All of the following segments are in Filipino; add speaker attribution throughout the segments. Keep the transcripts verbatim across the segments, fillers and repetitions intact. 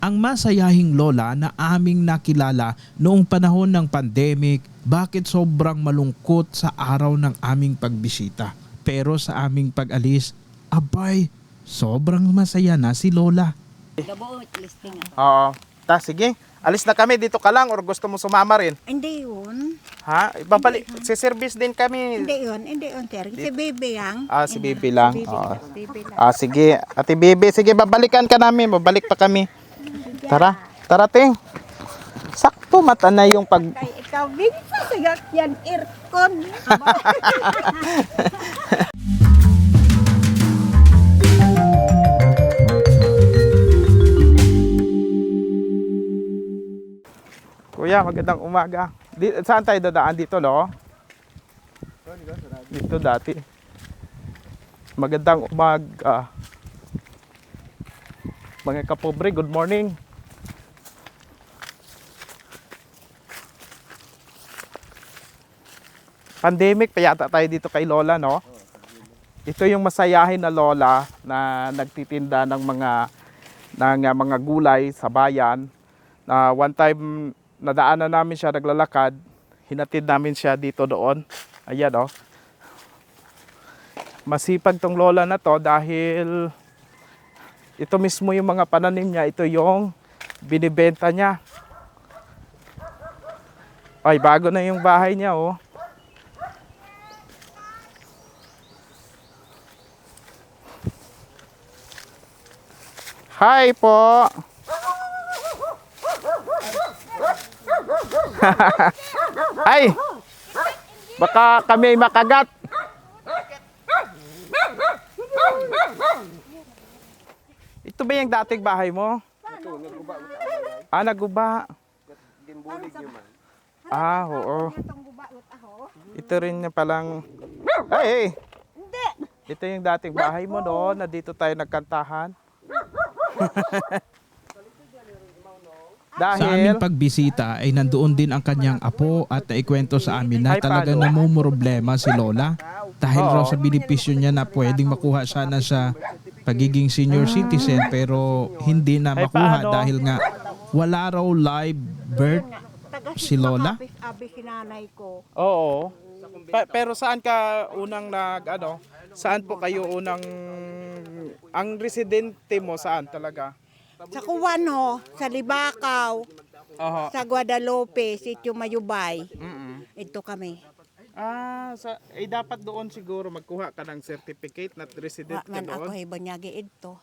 Speaker 1: Ang masayahing lola na aming nakilala noong panahon ng pandemic, bakit sobrang malungkot sa araw ng aming pagbisita. Pero sa aming pag-alis, abay, sobrang masaya na si lola.
Speaker 2: Gabo, listing.
Speaker 3: Oo. Ta, sige. Alis na kami. Dito ka lang or gusto mo sumama rin?
Speaker 2: Hindi yun.
Speaker 3: Ha? Ibabalik. Si service din kami.
Speaker 2: Hindi yun. Hindi yun, sir. Si Bibi lang.
Speaker 3: Ah, si Bibi lang.
Speaker 2: Si Bibi,
Speaker 3: Oo.
Speaker 2: si Bibi lang.
Speaker 3: Ah, sige. Ate Bibi, sige, babalikan ka namin. Babalik pa kami. Tara. Tara, ting. Sakto mata na yung pag...
Speaker 2: Kay ikaw, Bibi, sagak yan, aircon.
Speaker 3: Kuya, magandang umaga. Di, saan tayo dadaan dito, no? Dito dati. Magandang umaga. Mga kapobre, good morning. Pandemic pa yata tayo dito kay Lola, no? Ito yung masayahin na Lola na nagtitinda ng mga ng uh, mga gulay sa bayan. Na one time nadaanan namin siya naglalakad, hinatid namin siya dito doon. Ayan, oh. Masipag tong lola na to dahil ito mismo yung mga pananim niya, ito yung binibenta niya. Ay, bago na yung bahay niya, oh. Hi po. Ay, baka kami ay makagat. Ito ba yung dating bahay mo? Ah, naguba. Ah, oo. Ito rin na palang... Ay, ito yung dating bahay mo, no? Na dito tayo nagkantahan.
Speaker 1: Sa aming pagbisita ay nandoon din ang kanyang apo at naikwento sa amin na
Speaker 3: Ay,
Speaker 1: talagang
Speaker 3: paano?
Speaker 1: namumroblema si lola. Dahil
Speaker 3: Oo.
Speaker 1: raw sa benepisyo niya na pwedeng makuha sana sa pagiging senior citizen pero hindi na
Speaker 3: Ay,
Speaker 1: makuha
Speaker 3: paano?
Speaker 1: dahil nga wala raw live birth si lola.
Speaker 2: Abi si nanay ko.
Speaker 3: Oo. Pa- pero saan ka unang nag ano? Saan po kayo unang ang residente mo saan talaga?
Speaker 2: Sa Cubano, sa Libakaw,
Speaker 3: Oho.
Speaker 2: sa Guadalupe, Sitio Mayubay.
Speaker 3: Mm.
Speaker 2: Ito kami.
Speaker 3: Ah, sa eh dapat doon siguro magkuha ka ng certificate na resident
Speaker 2: Wa
Speaker 3: ka
Speaker 2: man ako
Speaker 3: doon.
Speaker 2: ibanyagi ito.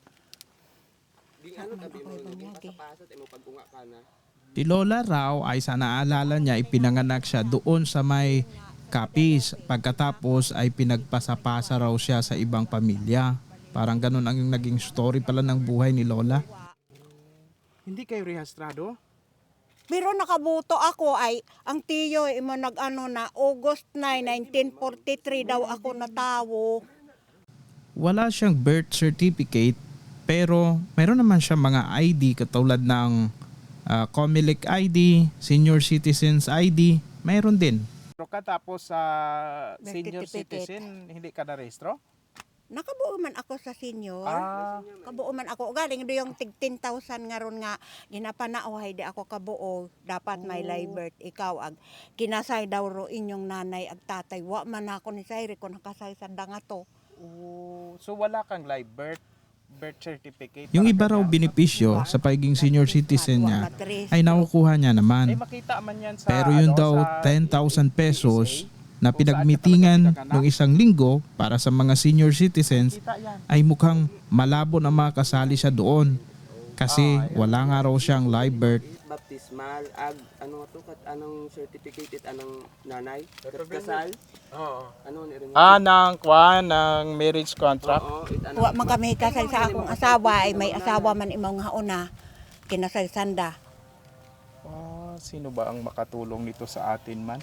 Speaker 2: Wa man ako ibanyagi.
Speaker 1: Si lola raw ay sa naalala niya ipinanganak siya doon sa may Capiz. Pagkatapos ay pinagpasapasa raw siya sa ibang pamilya. Parang ganun ang naging story pala ng buhay ni lola.
Speaker 3: Hindi kayo rehistrado?
Speaker 2: Pero nakabuto ako ay, ang tiyo imo nag-ano na, August nine, nineteen forty-three daw ako natawo.
Speaker 1: Wala siyang birth certificate pero meron naman siya mga I D katulad ng uh, Comelec I D, Senior Citizens I D, meron din.
Speaker 3: Pero ka tapos sa
Speaker 2: Birth
Speaker 3: senior
Speaker 2: certificate.
Speaker 3: citizen, hindi ka na rehistro?
Speaker 2: Nakabuo man ako sa senior.
Speaker 3: Ah,
Speaker 2: Kabuo man ako. Galing do yung tig ten thousand nga ron nga ginapanaohay di ako kabuo. Dapat may live birth. Ikaw ag kinasay daw ro inyong nanay ag tatay. Wa man ako ni Sayri kung nakasay sa danga to.
Speaker 3: oh, so wala kang live birth birth certificate.
Speaker 1: Yung
Speaker 3: Parang
Speaker 1: iba raw
Speaker 3: ganyan.
Speaker 1: benepisyo sa pagiging senior citizen niya ay nakukuha niya
Speaker 3: Eh
Speaker 1: naman.
Speaker 3: makita man yan sa
Speaker 1: Pero yun
Speaker 3: ano,
Speaker 1: daw
Speaker 3: sa
Speaker 1: ten thousand pesos na
Speaker 3: Kung saan ka
Speaker 1: pinagmitingan
Speaker 3: talaga pinanganak.
Speaker 1: ng isang linggo para sa mga senior citizens
Speaker 3: Kita yan.
Speaker 1: ay mukhang malabo na makasali siya doon kasi wala nga raw siyang live birth.
Speaker 4: Baptismal ag ano nga to kat anong certificate it anong nanay kat kasal
Speaker 3: Oo.
Speaker 4: ano ni rin
Speaker 3: Ah, ng kwan, ng marriage contract.
Speaker 4: oo it ano
Speaker 2: Wa man kami kasay sa akong asawa ay may asawa man imong hauna. Kinasay sanda.
Speaker 3: Ah, sino ba ang makatulong nito sa atin man?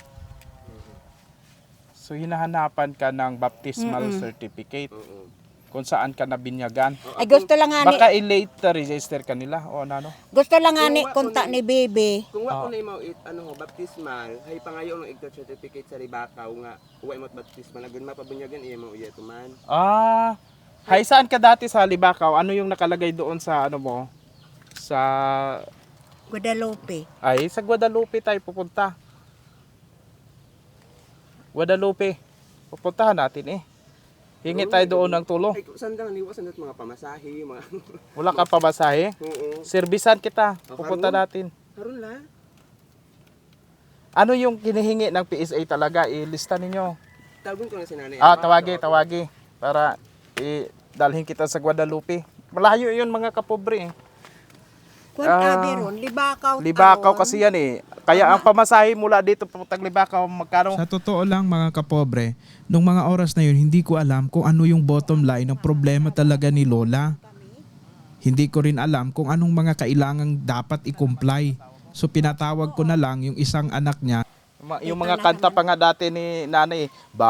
Speaker 3: So hinahanapan ka ng baptismal certificate
Speaker 4: oo
Speaker 3: kung saan ka nabinyagan.
Speaker 2: Ay gusto lang nga ni
Speaker 3: Baka i-late register ka nila o ano?
Speaker 2: gusto lang nga ni konta ni Bebe.
Speaker 4: kung wa ko na mo it ano ho baptismal hay pangayo ng igdo certificate sa Ribakaw nga wa mo baptismal agun mapabunyagan iya mo iya tuman
Speaker 3: Ah, hay saan ka dati sa Libakaw? Ano yung nakalagay doon sa ano mo? Sa,
Speaker 2: Guadalupe.
Speaker 3: ay, sa Guadalupe tayo pupunta. Guadalupe. Pupuntahan natin eh. Hingi tayo doon ng tulong.
Speaker 4: Ay, saan lang niwasan at mga pamasahe, mga...
Speaker 3: Wala ka pamasahe?
Speaker 4: Oo.
Speaker 3: Servisan kita.
Speaker 4: Oh,
Speaker 3: Pupunta
Speaker 4: karon?
Speaker 3: natin.
Speaker 4: Karon la.
Speaker 3: Ano yung kinihingi ng P S A talaga? Ilista ninyo.
Speaker 4: Tawagon ko na si nanay.
Speaker 3: Ah, tawagi, tawagi. Para i-dalhin kita sa Guadalupe. Malayo yun mga kapobre eh.
Speaker 2: Kung
Speaker 3: Ah,
Speaker 2: abi ron, Libakaw.
Speaker 3: Libakaw
Speaker 2: taon.
Speaker 3: kasi yan eh. Kaya ang pamasahe mula dito papuntang Libakaw, magkano?
Speaker 1: Sa totoo lang mga kapobre, nung mga oras na yun, hindi ko alam kung ano yung bottom line ng problema talaga ni Lola. Hindi ko rin alam kung anong mga kailangang dapat i-comply. So pinatawag ko na lang yung isang anak niya.
Speaker 3: Ma- Yung mga kanta pa nga dati ni nanay,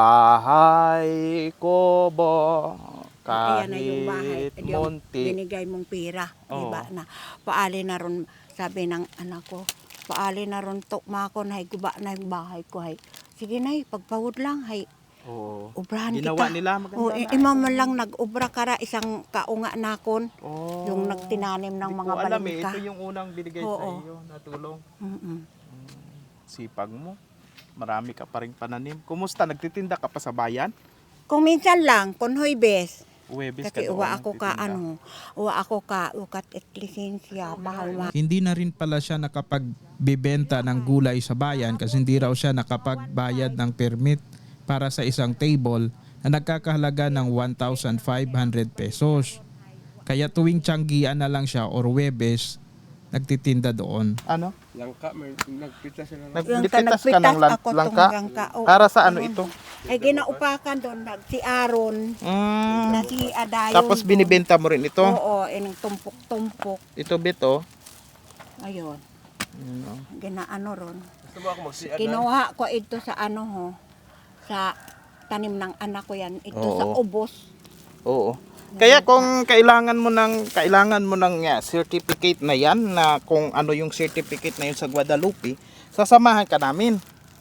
Speaker 3: bahay ko bo,
Speaker 2: Ayan na yung bahay.
Speaker 3: kahit
Speaker 2: Yung
Speaker 3: munti.
Speaker 2: binigay mong pira.
Speaker 3: Oo.
Speaker 2: Diba na. Paali na ron, sabi ng anak ko, paali na ron tukma ko na guba na yung bahay ko. Hay. Sige na, pagpawod lang. Hay.
Speaker 3: Oo.
Speaker 2: Ubrahan
Speaker 3: Ginawa
Speaker 2: kita.
Speaker 3: nila, maganda
Speaker 2: O,
Speaker 3: na.
Speaker 2: ima man lang nag-ubra kara isang kaunga nakon.
Speaker 3: Oh.
Speaker 2: Yung nagtinanim ng
Speaker 3: Hindi
Speaker 2: mga
Speaker 3: ko alam eh,
Speaker 2: balingka.
Speaker 3: ito yung unang binigay sa
Speaker 2: Oo.
Speaker 3: iyo na tulong.
Speaker 2: Mm-mm.
Speaker 3: Sipag mo. Marami ka pa rin pananim. Kumusta? Nagtitinda ka pa sa bayan?
Speaker 2: Kung minsan lang, kung huibes.
Speaker 3: Uwebes ka
Speaker 2: Kasi
Speaker 3: doon.
Speaker 2: uwa ako ka
Speaker 3: nagtitinda.
Speaker 2: ano, uwa ako ka ukat at lisensya, mahal ma.
Speaker 1: Hindi na rin pala siya nakapagbibenta ng gulay sa bayan kasi hindi raw siya nakapagbayad ng permit para sa isang table na nagkakahalaga ng one thousand five hundred pesos. Kaya tuwing tiyanggian na lang siya or Webes, nagtitinda doon.
Speaker 3: Ano?
Speaker 4: Langka, may nagpita sila.
Speaker 2: Yung
Speaker 3: Nagpitas ka ng
Speaker 2: nagpitas
Speaker 3: lan-
Speaker 2: ako
Speaker 3: langka?
Speaker 2: tong langka. Oo.
Speaker 3: Para sa ano ito?
Speaker 2: Ay ginaupakan doon, nag- si Aaron,
Speaker 3: Mm.
Speaker 2: na si Adayon.
Speaker 3: Tapos
Speaker 2: doon.
Speaker 3: binibenta mo rin ito?
Speaker 2: Oo, inang tumpok-tumpok.
Speaker 3: Ito bito?
Speaker 2: Ayun,
Speaker 3: Ano?
Speaker 2: ginaano ron.
Speaker 4: Gusto mo ako magsiad na?
Speaker 2: Kinuha ko ito sa ano ho, sa tanim ng anak ko yan. Ito
Speaker 3: Oo.
Speaker 2: sa ubos.
Speaker 3: Oo. Kaya kung kailangan mo ng kailangan mo ng uh, certificate na 'yan na kung ano yung certificate na yun sa Guadalupe, sasamahan ka namin.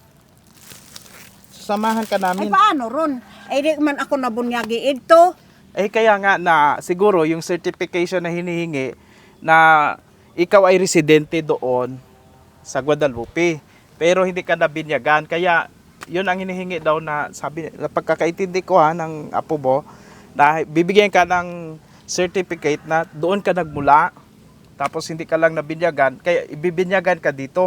Speaker 3: Sasamahan ka
Speaker 2: Ay
Speaker 3: namin.
Speaker 2: paano ron? Ay di man ako nabunyagi ito.
Speaker 3: Eh kaya nga na siguro yung certification na hinihingi na ikaw ay residente doon sa Guadalupe pero hindi ka nabinyagan, kaya yun ang hinihingi daw na sabi na pagkakaintindi ko ha ng apo mo na bibigyan ka ng certificate na doon ka nagmula tapos hindi ka lang nabinyagan, kaya ibibinyagan ka dito.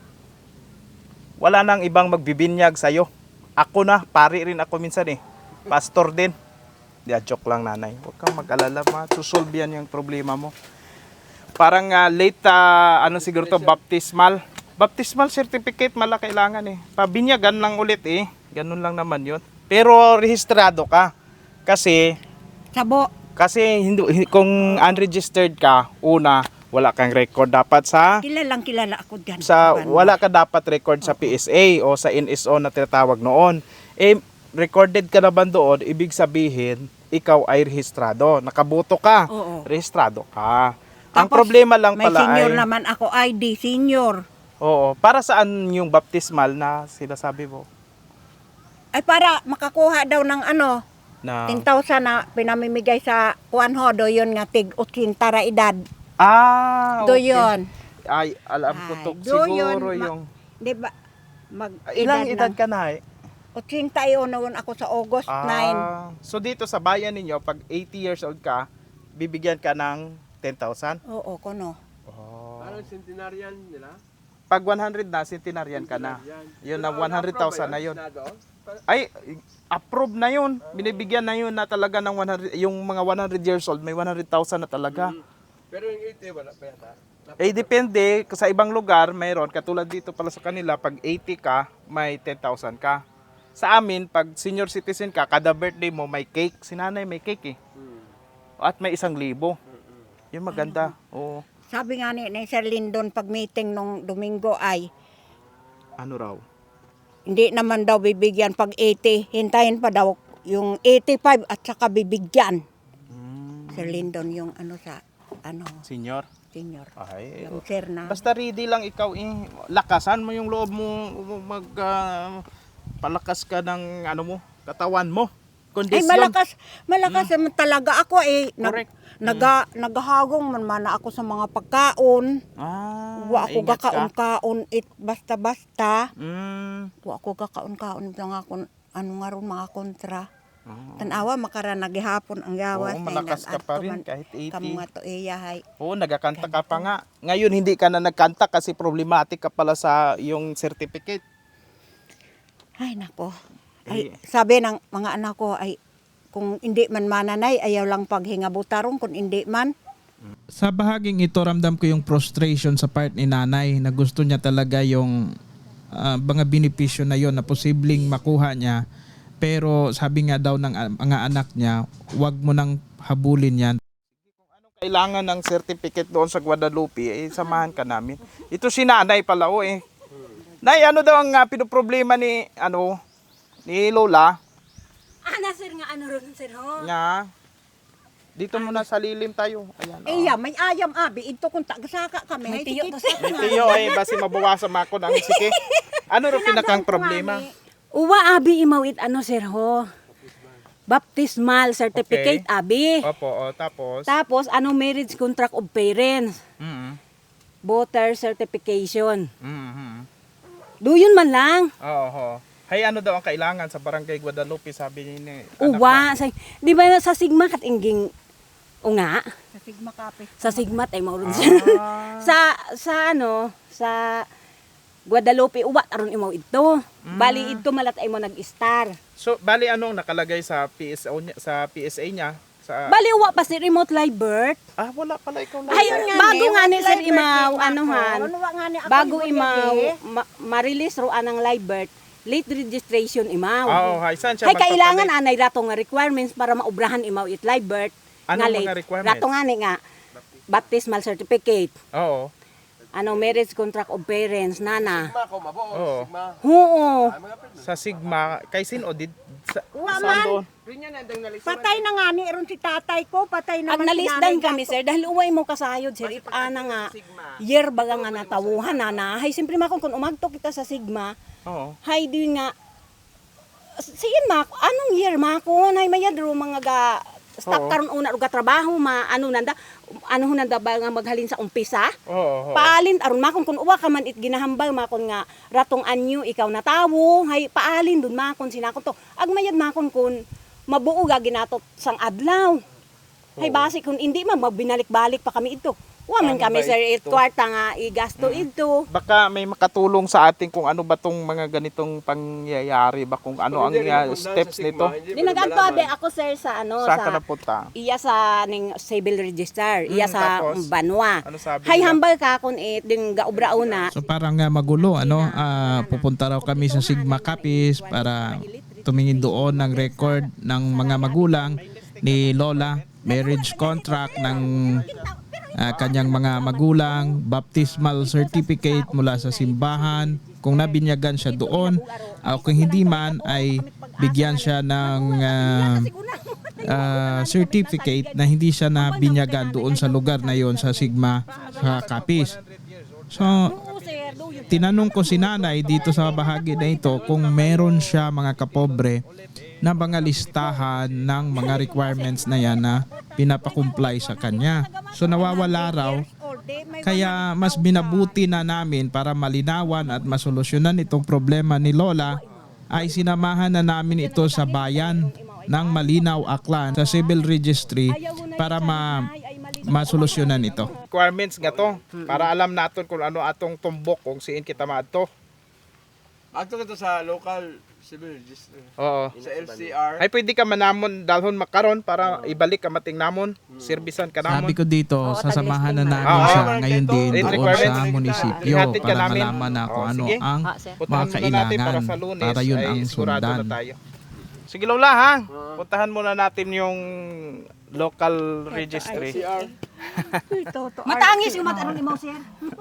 Speaker 3: Wala nang ibang magbibinyag sa'yo. Ako na, pari rin ako minsan eh. Pastor din. Di, joke lang nanay. Huwag kang mag-alala, masusolve yan yung problema mo. Parang uh, late, uh, ano siguro to, baptismal. Baptismal certificate mala kailangan eh. Pabinyagan lang ulit eh. Ganun lang naman yun. Pero rehistrado ka. Kasi,
Speaker 2: Sabo.
Speaker 3: kasi hindi, kung unregistered ka, una, wala kang record dapat sa
Speaker 2: Kilalang kilala ako dyan.
Speaker 3: sa
Speaker 2: Ano?
Speaker 3: wala ka dapat record sa P S A o sa N S O na tinatawag noon. Eh recorded ka naman doon, ibig sabihin ikaw ay rehistrado, nakaboto ka,
Speaker 2: Oo.
Speaker 3: rehistrado ka. Ang
Speaker 2: Tapos,
Speaker 3: problema lang
Speaker 2: may
Speaker 3: pala
Speaker 2: senior
Speaker 3: ay
Speaker 2: naman ako, I D, senior.
Speaker 3: oo, para saan yung baptismal na sinasabi mo
Speaker 2: Ay para makakuha daw ng ano,
Speaker 3: na
Speaker 2: ten thousand na pinamimigay sa kuan ho, do yun nga tig eighteen ra edad.
Speaker 3: ah
Speaker 2: Do
Speaker 3: okay.
Speaker 2: yun.
Speaker 3: Ay alam ko
Speaker 2: Ay,
Speaker 3: to
Speaker 2: do yun,
Speaker 3: siguro
Speaker 2: ma-
Speaker 3: yung
Speaker 2: Di ba? Mag
Speaker 3: ilang edad
Speaker 2: ng
Speaker 3: ka na eh?
Speaker 2: eighty-one na ako sa August nine.
Speaker 3: Ah, so dito sa bayan ninyo, pag eighty years old ka, bibigyan ka ng ten thousand?
Speaker 2: Oo, kuno.
Speaker 3: Oh.
Speaker 4: Parang centenarian nila.
Speaker 3: Pag one hundred na, centenarian ka na. Yun na, one hundred thousand na yun. Ay, approve na yun. Binibigyan na yun na talaga ng one hundred, yung mga one hundred years old, may one hundred thousand na talaga.
Speaker 4: Pero yung eighty, wala pa yata.
Speaker 3: Eh, depende. Sa ibang lugar, mayroon. Katulad dito pala sa kanila, pag eighty ka, may ten thousand ka. Sa amin, pag senior citizen ka, kada birthday mo, may cake. Si nanay may cake eh. At may isang libo. Yun maganda. Oo.
Speaker 2: Sabi nga ni, ni Sir Lindon pag meeting nung Domingo ay
Speaker 3: Ano raw?
Speaker 2: hindi naman daw bibigyan pag eighty. Hintayin pa daw yung eighty-five at saka bibigyan.
Speaker 3: Mm,
Speaker 2: Sir Lindon yung ano sa ano
Speaker 3: senior?
Speaker 2: senior.
Speaker 3: Ay,
Speaker 2: Yung sir na.
Speaker 3: basta ready lang ikaw eh. Lakasan mo yung loob mo, mag ah, palakas ka ng ano mo, katawan mo.
Speaker 2: Ay
Speaker 3: kondisyon.
Speaker 2: malakas, malakas naman talaga ako eh. Nag,
Speaker 3: Correct.
Speaker 2: naga, naghahagong man mana ako sa mga pagkaon.
Speaker 3: Ah,
Speaker 2: Wa ako
Speaker 3: ingat ka.
Speaker 2: gakaon-kaon it basta-basta.
Speaker 3: Mm.
Speaker 2: Wa ako gakaon-kaon mga kun ano nga ron mga kontra.
Speaker 3: Oo.
Speaker 2: Tanawa makara nagihapon ang yawas.
Speaker 3: Oo, malakas ka pa rin kahit eighty.
Speaker 2: Kamu nga to iyahay.
Speaker 3: Oo, nagakanta ka pa nga. Ngayon hindi ka na nagkanta kasi problematic ka pala sa yung certificate.
Speaker 2: Ay nako.
Speaker 3: Eh.
Speaker 2: Ay, sabi ng mga anak ko ay kung hindi man mananay ayaw lang paghinga butarong kung hindi man.
Speaker 1: Sa bahaging ito, ramdam ko yung frustration sa part ni nanay na gusto niya talaga yung ah, mga benepisyo na yon na posibleng makuha niya. Pero sabi nga daw ng ah, mga anak niya, wag mo nang habulin yan.
Speaker 3: Kailangan ng certificate doon sa Guadalupe, eh, samahan ka namin. Ito si nanay pala, oh, eh. Nay, ano daw ang uh, pinoproblema ni, ano, ni Lola?
Speaker 5: Ana sir nga ano ron sir ho.
Speaker 3: Nga, dito muna sa lilim tayo. Ayan, oh.
Speaker 2: Iya, may ayam abi ito kung tagasaka kami.
Speaker 5: May
Speaker 2: Ay,
Speaker 5: tiyo
Speaker 2: tikit-
Speaker 5: to, sir.
Speaker 3: May tiyo, eh, basi mabawasan ako ng sike. Ano rin pinakang problema?
Speaker 5: Uwa abi imawit ano sir ho. Baptismal certificate
Speaker 3: Okay.
Speaker 5: abi.
Speaker 3: Opo, oh, tapos?
Speaker 5: Tapos ano marriage contract of parents.
Speaker 3: Mm-hmm.
Speaker 5: Voter certification.
Speaker 3: Mm-hmm.
Speaker 5: Duyon man lang.
Speaker 3: Oo, oh, hay ano daw ang kailangan sa Barangay Guadalupe, sabi niya ni anak
Speaker 5: Uwa. Sa, di ba sa Sigma kat ingging unga?
Speaker 2: Sa Sigma Kape.
Speaker 5: Sa Sigma ay mauron sir.
Speaker 3: Ah.
Speaker 5: sa sa ano sa Guadalupe uwa aron imaw ito. Bali ito malat ay mo nag-star.
Speaker 3: So, bali anong nakalagay sa P S O niya, sa P S A niya? Sa
Speaker 5: Bali uwa pa si remote live birth.
Speaker 3: Ah, wala pala ikaw lang.
Speaker 5: Ayun nga, bago nga ni Sir Imaw, anuhan,
Speaker 2: Ano nga ni ako
Speaker 5: bago
Speaker 2: ibon
Speaker 5: Imaw,
Speaker 2: lagi?
Speaker 5: ma- ma-release ro anang live birth, late registration Imaw.
Speaker 3: Ah, oh, hay saan siya
Speaker 5: Hay kailangan
Speaker 3: magpapalit?
Speaker 5: anay rato nga requirements para maubrahan Imaw it live birth.
Speaker 3: Ano
Speaker 5: nga
Speaker 3: mga
Speaker 5: late.
Speaker 3: requirements?
Speaker 5: Rato nga ni nga, baptismal certificate,
Speaker 3: Oo.
Speaker 5: ano marriage contract of parents, nana.
Speaker 3: Oo.
Speaker 5: Oo.
Speaker 3: Sa Sigma, kay sin o did sa,
Speaker 2: Wa
Speaker 3: saan
Speaker 2: man.
Speaker 3: doon?
Speaker 2: Patay na nga ni ron si tatay ko, patay
Speaker 5: Ag
Speaker 2: naman si
Speaker 5: nalisdan
Speaker 2: nanay
Speaker 5: kami
Speaker 2: ko.
Speaker 5: sir dahil uway mo kasayod sir it ana nga year baga nga natawuhan nana. Hay simpre makon kun umagto kita sa Sigma,
Speaker 3: Oo.
Speaker 5: hay di nga siin ma anong year ma ko nay mayad ro mga ga stop
Speaker 3: Oo.
Speaker 5: karon una ro ga trabaho ma ano nanda ano nanda ba nga maghalin sa umpisa
Speaker 3: Oo. oo.
Speaker 5: paalin aron makon kun uwa ka man it ginahambal makon nga ratong anyo ikaw na tawo hay paalin dun makon sinakon to ag mayad makon kun mabuo ga ginatot sang adlaw hay basi kun hindi man magbinalik-balik pa kami ito wa man
Speaker 3: Ano
Speaker 5: kami
Speaker 3: ba
Speaker 5: sir it
Speaker 3: ito?
Speaker 5: kwarta nga igasto ito.
Speaker 3: Baka may makatulong sa atin kung ano ba tong mga ganitong pangyayari ba, kung ano ang uh, steps nito.
Speaker 5: Di nagadto abe ako sir sa ano
Speaker 3: Saan ka
Speaker 5: sa
Speaker 3: napunta?
Speaker 5: iya sa ning civil register, iya
Speaker 3: Mm,
Speaker 5: sa
Speaker 3: tapos?
Speaker 5: Banwa.
Speaker 3: Ano sabi
Speaker 5: Hay
Speaker 3: nila?
Speaker 5: hambal ka kun it din gaubra una.
Speaker 1: So parang nga magulo, ano, ah, pupunta raw kami sa Sigma Capiz para tumingin doon ng record ng mga magulang ni Lola, marriage contract ng ah, kanyang mga magulang, baptismal certificate mula sa simbahan, kung nabinyagan siya doon, o kung hindi man ay bigyan siya ng ah, ah, certificate na hindi siya nabinyagan doon sa lugar na yon sa Sigma sa Capiz. So, tinanong ko si nanay dito sa bahagi na ito kung meron siya mga kapobre na mga listahan ng mga requirements na yan na pinapakumply sa kanya. So nawawala raw, kaya mas binabuti na namin para malinawan at masolusyonan itong problema ni Lola ay sinamahan na namin ito sa bayan ng Malinaw, Aklan sa civil registry para ma masolusyonan ito.
Speaker 3: Requirements nga to, para alam natin kung ano atong tumbok kung siin kita maadto.
Speaker 4: Agto ka to sa local civil register.
Speaker 3: Oo.
Speaker 4: Sa L C R.
Speaker 3: Ay pwede ka manamon dalhon makaron para ibalik ka mating namon, servisan ka namon.
Speaker 1: Sabi ko dito, sasamahan na namin
Speaker 3: Ah,
Speaker 1: siya
Speaker 3: ah,
Speaker 1: ngayon din
Speaker 3: Rate
Speaker 1: doon
Speaker 3: requirements.
Speaker 1: sa munisipyo
Speaker 3: Ihatid ka
Speaker 1: para
Speaker 3: namin.
Speaker 1: malaman na kung
Speaker 3: Oh,
Speaker 1: ano
Speaker 3: sige.
Speaker 1: ang
Speaker 5: Ah, sir.
Speaker 1: mga
Speaker 3: Puntahan muna natin
Speaker 1: kailangan
Speaker 3: para sa Lunes
Speaker 1: para yun
Speaker 3: ay
Speaker 1: ang
Speaker 3: sigurado
Speaker 1: sundan.
Speaker 3: na tayo. Sige Lola ha, puntahan muna natin yung local registry.
Speaker 4: L C R.
Speaker 5: Matangis yung mata ni mo sir.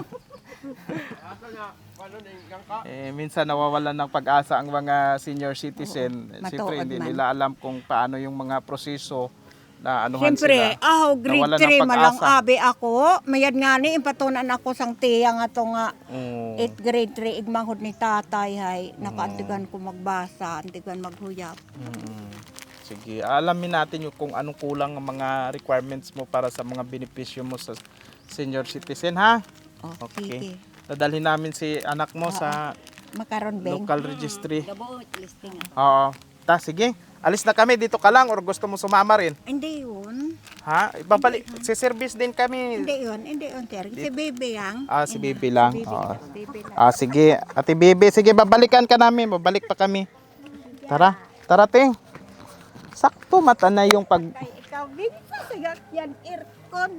Speaker 3: Eh, minsan nawawalan ng pag-asa ang mga senior citizen.
Speaker 2: Oo,
Speaker 3: Siyempre
Speaker 2: matuod
Speaker 3: hindi
Speaker 2: man.
Speaker 3: nila alam kung paano yung mga proseso na anuhan
Speaker 2: Siyempre,
Speaker 3: sila.
Speaker 2: aho, grade
Speaker 3: Nawalan ng
Speaker 2: three malang
Speaker 3: pag-asa.
Speaker 2: abi ako. Mayad nga ni, impatunan ako sang tiya nga to nga.
Speaker 3: Oo.
Speaker 2: eighth grade three, igmanghod ni tatay hay. Nakaantigan ko magbasa, antigan maghuyap.
Speaker 3: Mm. sige. Alamin natin yung kung anong kulang ang mga requirements mo para sa mga benepisyo mo sa senior citizen, ha?
Speaker 2: Oh,
Speaker 3: Okay.
Speaker 2: sige.
Speaker 3: Dadalhin namin si anak mo sa
Speaker 2: Makaron beng.
Speaker 3: local registry.
Speaker 5: Gabo listing.
Speaker 3: Oo. Ta, sige. Alis na kami. Dito ka lang or gusto mo sumama rin?
Speaker 2: Hindi yun.
Speaker 3: Ha? Ibabalik. Si service din kami.
Speaker 2: Hindi yun. Hindi yun, sir. Si Baby lang.
Speaker 3: Ah, si Bibi lang.
Speaker 2: Baby,
Speaker 3: Oo.
Speaker 2: baby lang.
Speaker 3: Ah, sige. Ate Bibi, sige, babalikan ka namin. Babalik pa kami. Tara. Tara, ting. Sakto mata na yung pag...
Speaker 2: Kay ikaw, Baby, sasagat yan, aircon.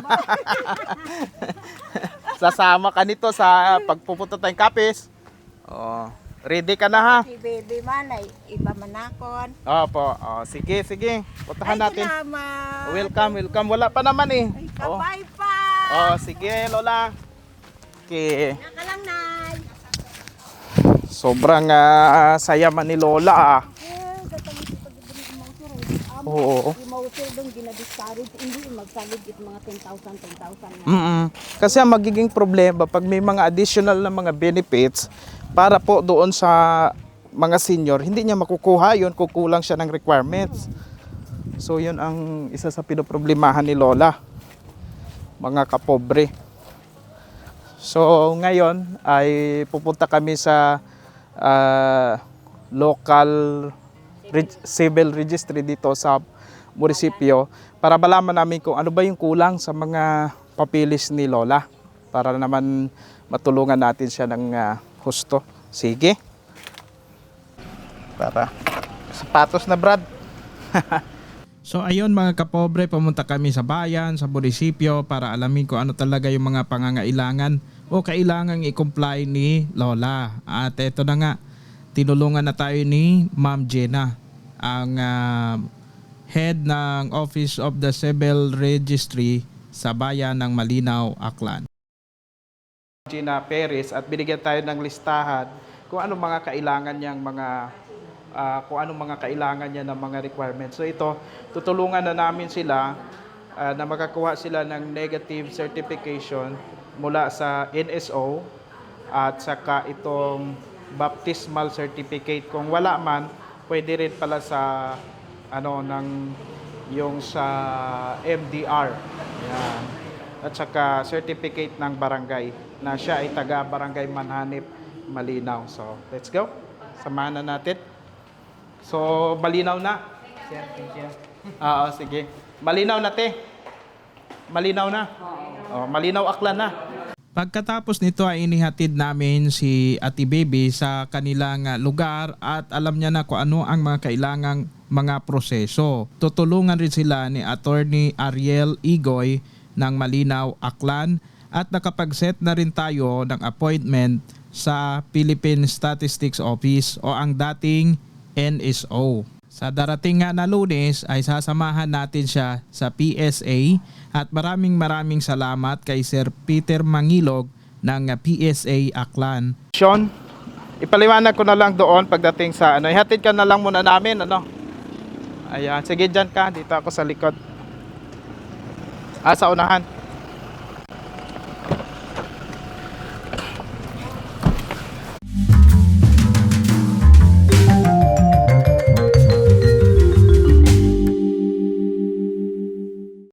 Speaker 3: Sasama ka nito sa pagpupunta tayong kapis. Oh, ready ka na, ha?
Speaker 2: Si Baby man ay iba manakon.
Speaker 3: Opo. Oh, sige, sige. Puntahan
Speaker 2: Ay,
Speaker 3: natin.
Speaker 2: salamat.
Speaker 3: Welcome, welcome. Wala pa naman eh.
Speaker 2: Ay,
Speaker 3: Oh.
Speaker 2: kabay pa.
Speaker 3: Oh, sige, Lola. Okay.
Speaker 2: Nakalang, Nay.
Speaker 3: Sobrang ah, saya man ni Lola, ah.
Speaker 5: Eh, gatang ito pag ibig mo sir.
Speaker 3: Oo.
Speaker 5: Imauser dong gina-discourage hindi magsalig it mga ten thousand, ten thousand.
Speaker 3: Mm-mm. Kasi ang magiging problema pag may mga additional na mga benefits para po doon sa mga senior, hindi niya makukuha yun, kukulang siya ng requirements. So yun ang isa sa pinoproblemahan ni Lola, mga kapobre. So ngayon ay pupunta kami sa ah, local reg- civil registry dito sa munisipyo para malaman namin kung ano ba yung kulang sa mga papilis ni Lola para naman matulungan natin siya ng ah, husto. Sige. Para sapatos na, Brad.
Speaker 1: So ayun mga kapobre, pumunta kami sa bayan, sa munisipyo para alamin kung ano talaga yung mga pangangailangan o kailangang i-comply ni Lola. At eto na nga, tinulungan na tayo ni Ma'am Jenna, ang ah, head ng Office of the Civil Registry sa bayan ng Malinaw, Aklan.
Speaker 3: Gina Perez, at binigyan tayo ng listahan kung ano mga kailangan niyang mga ah, kung anong mga kailangan niya ng mga requirements. So ito, tutulungan na namin sila ah, na makakuha sila ng negative certification mula sa N S O at saka itong baptismal certificate. Kung wala man, pwede rin pala sa ano ng yung sa M D R. Yan. At saka certificate ng barangay na siya ay taga Barangay Manhanip, Malinaw. So, let's go. Samahan na natin. So, malinaw na. Sir, thank you. Oo, sige. Malinaw na, te. Malinaw na. Oh, malinaw Aklan na.
Speaker 1: Pagkatapos nito ay inihatid namin si Ate Baby sa kanilang ah, lugar at alam niya na kung ano ang mga kailangang mga proseso. Tutulungan rin sila ni Attorney Ariel Igoy ng Malinaw, Aklan at nakapag-set na rin tayo ng appointment sa Philippine Statistics Office o ang dating N S O. Sa darating nga na Lunes ay sasamahan natin siya sa P S A at maraming maraming salamat kay Sir Peter Mangilog ng P S A Aklan.
Speaker 3: Sean, ipaliwanag ko na lang doon pagdating sa ano. Ihatid ka na lang muna namin, ano. Ayan, sige dyan ka. Dito ako sa likod. Ah, sa unahan.